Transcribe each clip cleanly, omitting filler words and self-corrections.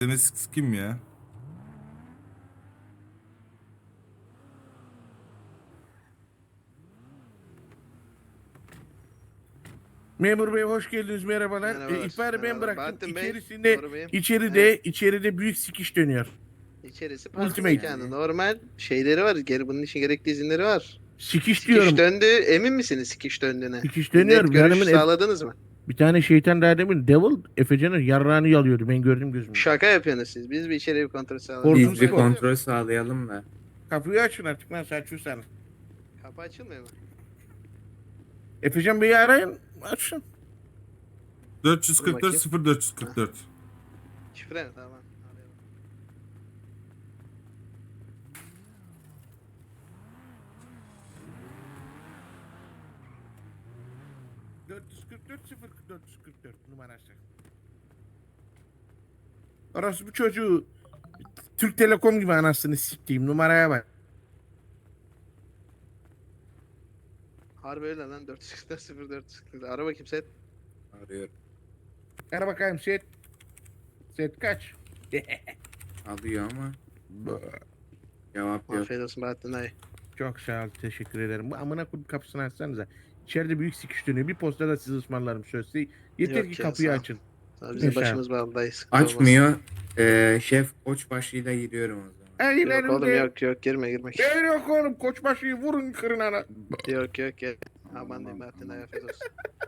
Deniz kim ya? Memur bey hoş geldiniz, merhabalar. Merhabalar. İhbarı ben Merhabalar. bıraktım. Bahattin Bey. İçerisinde Doğru beyim. içeride Evet. içeride büyük sikiş dönüyor. İçerisi parti Ultimate. mekanı. Normal şeyleri var. Bunun için gerekli izinleri var. Sikiş Sikiş diyorum. döndü. Emin misiniz sikiş döndüğüne? Sikiş Net dönüyor. görüş sağladınız mı? Bir tane şeytan daha demin Devil Efecan'ın yarrağını yalıyordu. Ben gördüm gözümle. Şaka yapıyorsunuz siz. Biz bir içeri bir kontrol sağlayalım. Ordumuz Biz bir bu. kontrol sağlayalım da. Kapıyı açın artık lan saçıyorsan. Kapı açılmıyor mu? Efecan Bey'i arayın. Açın. 444 0444. Şifre mi? Tamam. Arayalım. ...444 numarası. Orası bu çocuğu... Türk Telekom gibi anasını siktiğim numaraya bak. Harbi öyle lan. 444 0444. Ara bakayım set. Arıyorum. Ara bakayım set. Set kaç? Alıyor ama cevap yok. Afiyet olsun Bahattin dayı. Çok sağ ol, teşekkür ederim. Bu amına koyup kapısını açsanıza. İçeride büyük sikiş dönüyor. Bir posta da sizi ısmarlarım sözde. Yeter Yok ki ya, kapıyı sağ ol. açın. Tabii bizim Yaşa. başımız bağlı dayı. Sıkıntı olmaz. Açmıyor. Şef koçbaşıyla giriyorum o zaman. Yok oğlum Eğlerimde. yok girme. Gel yok oğlum, koçbaşıyı vurun kırın ana. Yok. Aman diyeyim Bahattin dayı afiyet olsun.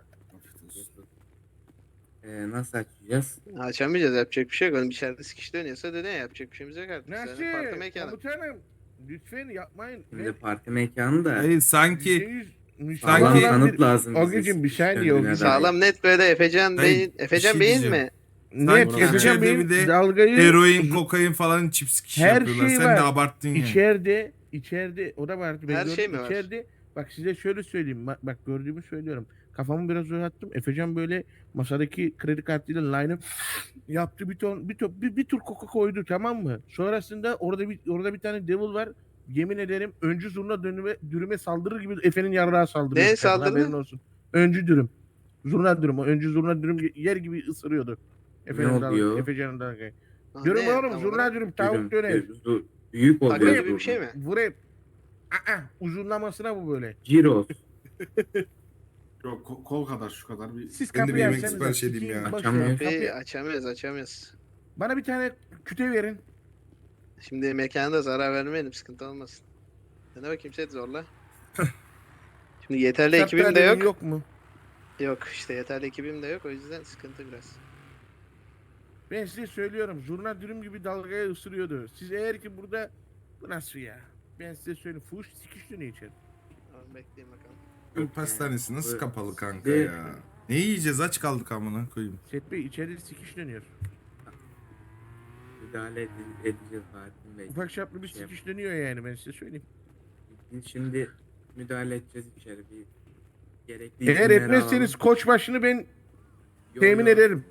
Nasıl açacağız? Açamayacağız, yapacak bir şey yok. Oğlum içeride sikiş dönüyorsa dedin ya, yapacak bir şeyimiz yok artık. Nasıl? Yani parti mekanı. Komutanım. Lütfen yapmayın. Şimdi parti mekanı da Hayır sanki %100 sağlam sanki- kanıt lazım bize. Ogücüm bir saniye Kendine Ogücüm. dair. Sağlam net böyle Efecan Hayır, Bey'in, bir Efecan şey Bey'in diyeceğim. mi? Net Sanki Efecan içeride Bey'in bir de dalgayı... heroin, kokain falan çips Her yapıyorlar. şey Sen var. de abarttın ya. İçeride o da vardı. Ben Her gördüm. şey mi var? İçeride bak size şöyle söyleyeyim. Bak gördüğümü söylüyorum. Kafamı biraz uzattım. Efecan böyle masadaki kredi kartıyla line'ı yaptı, bir tur koka koydu, tamam mı? Sonrasında orada bir tane devil var. Yemin ederim öncü zurna dürüme saldırır gibi Efe'nin yarrağı saldırıyor. Neye saldırdı? Haberin olsun. Öncü dürüm. Zurna dürüm. O öncü zurna dürüm yer gibi ısırıyordu. oluyor? Efecan'ın dalgayı. Ha, Dürüm ne oğlum, tam zurna olarak? dürüm, tavuk döner. Büyük Takı oluyor. gibi bir şey mi? Vurayım. Uzunlamasına bu böyle. Ciros. Yok kol kadar şu kadar bir. Siz Ben de bir kapıyı yemek açsanıza, sipariş edeyim sikeyim, ya. boş Açamıyor. ver. Kapıyı açamıyoruz. Bana bir tane küte verin. Şimdi mekanda zarar vermeyelim, sıkıntı olmasın. Ne bakayım set zorla. Şimdi yeterli ekibim de Şartlar yok. yok mu? Yok işte yeterli ekibim de yok, o yüzden sıkıntı biraz. Ben size söylüyorum, zurna dürüm gibi dalgaya ısırıyordu. Siz eğer ki burada... Bu nasıl ya? Ben size söyleyeyim, fuhuş sikiş dönüyor içeri. Tamam, bekleyin bakalım. Bu pastanesi nasıl Bu- kapalı kanka Bir- ya? Ne yiyeceğiz, aç kaldık amına koyayım. Set Bey, içeride sikiş dönüyor. Müdahale edeceğiz Fatih Bey. Ufak çaplı bir Şey yap- sikiş dönüyor yani, ben size söyleyeyim. Biz şimdi müdahale edeceğiz içeri bir gerekli Eğer izinleri etmezseniz alalım. koçbaşını ben Yo, temin yo. ederim.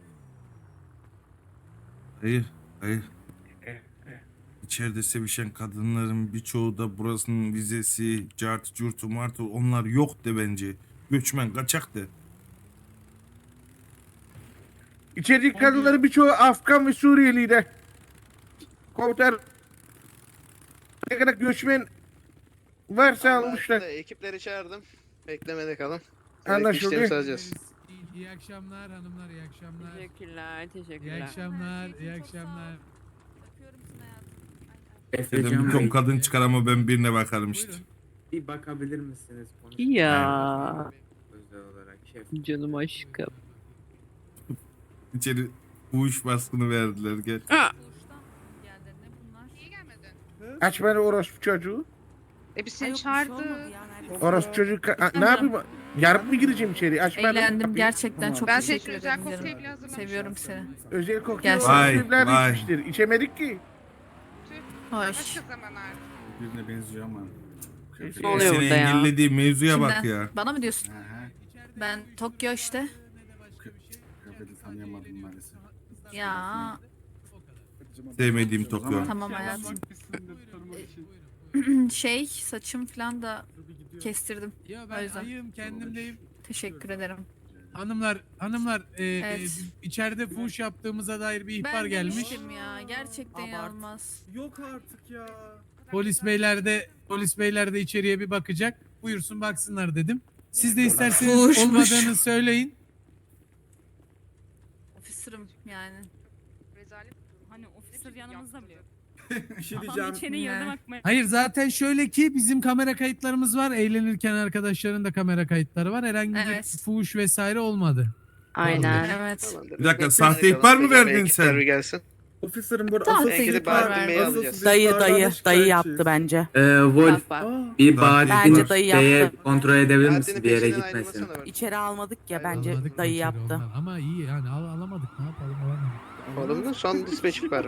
Hayır. İçeride sevişen kadınların birçoğu da burasının vizesi, cartı, curtu, martı onlar yok de bence. Göçmen, kaçak de. İçerideki kadınların birçoğu Afgan ve Suriyeliydi. Komutan, ne kadar göçmen varsa Tamam, almışlar. aslında ekipleri çağırdım. Beklemede kalın. Gerekli Anlaşıldı. işlemi sağlayacağız. İyi akşamlar hanımlar, iyi akşamlar. Teşekkürler, İyi teşekkürler. akşamlar, iyi akşamlar. Dedim Efecan bir ton Bey, kadın çıkar ama ben birine bakarım işte. Buyurun. bir bakabilir misiniz? Ya Özel olarak şef. canım aşkım. İçeri uğuş baskını verdiler gel. Aç beni orospu çocuğu. Biz seni çağırdık. Orospu çocuğu ne yapayım? Yarın mı gireceğim içeri? Aç beni. Eğlendim kapıyı. gerçekten çok Ben teşekkür senin ederim özel canım. kokteyli hazırlamışım. Seviyorum seni. Özel kokteyl Gelsin. Vay, evler vay. içmiştir. İçemedik ki. Hoş. Başka zamanlar. Birine benziyor ama. Ne oluyor Seni burada ya? engellediği mevzuya bak Kimden? ya. Bana mı diyorsun? Aha, Ben Tokyo işte. kıyafeti tanıyamadım maalesef. Ya Sevmediğim Tokyo. tamam hayatım. Şey saçım falan da kestirdim. Ya O ben yüzden. ayım, kendimdeyim. Teşekkür ederim. Hanımlar Evet. içeride fuhuş yaptığımıza dair bir ihbar Ben gelmiş. demiştim ya. Gerçekten inanılmaz. Yok artık ya. Polis beyler de içeriye bir bakacak. Buyursun baksınlar dedim. Siz de isterseniz Fuhuşmuş. olmadığını söyleyin. Ofisir'im yani. Rezalet. Hani ofisler yanımızda bile yok. Bir şey Adam diyeceğim. içeri yerine bakmaya. Hayır zaten şöyle ki bizim kamera kayıtlarımız var. Eğlenirken arkadaşların da kamera kayıtları var. Herhangi Evet. bir fuhuş vesaire olmadı. Aynen. Evet. Tamamdır. Bir dakika, Bekleyin sahte bakalım. ihbar mı Tekrar verdin ekipler sen? Bir gelsin. Ofislerin burada Tamam, asıl peki, sizi ihbar ihbar- verdim. asıl Alacağız. sizi Dayı ihbarlarla dayı şikayetçiyiz. yaptı bence. Wolf Bak bak. bir Zaten bari Bence dayı yaptı. kontrol edebilir Saatini misin bir yere peşinden gitmesin? ayrılmasana bak. İçeri almadık ya bence Alamadık dayı içeri yaptı. ondan. Ama iyi yani alamadık, ne yapalım, alamadık. Olumlu son dispatch ihbarı.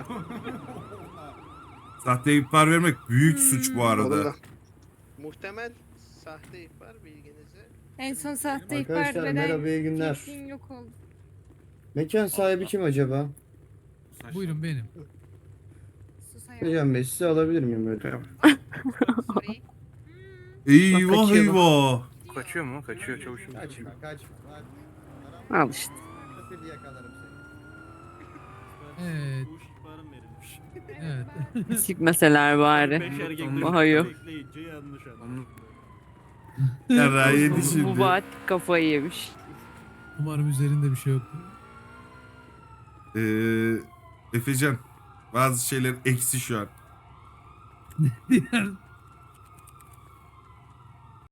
Sahte ihbar vermek büyük suç bu arada. Olumlu. Muhtemel sahte ihbar bilginize. En son sahte ihbar Arkadaşlar veren merhaba, iyi günler. kesin yok oldu. Mekan sahibi kim acaba? Buyurun benim. Sus hayatım. Hocam Bey sizi alabilir miyim böyle? Sorry. Eyvah kaçıyor bu. eyvah. Kaçıyor mu? Kaçıyor çavuşum. Kaçma kaçma. Al işte. Hadi yakalarım seni. Evet. Evet. Sikmeseler bari. Daha yok. Yarrağı yedi Bu şimdi. vaat kafayı yemiş. Umarım üzerinde bir şey yoktur. Efecan, bazı şeyler eksi şu an. Diğer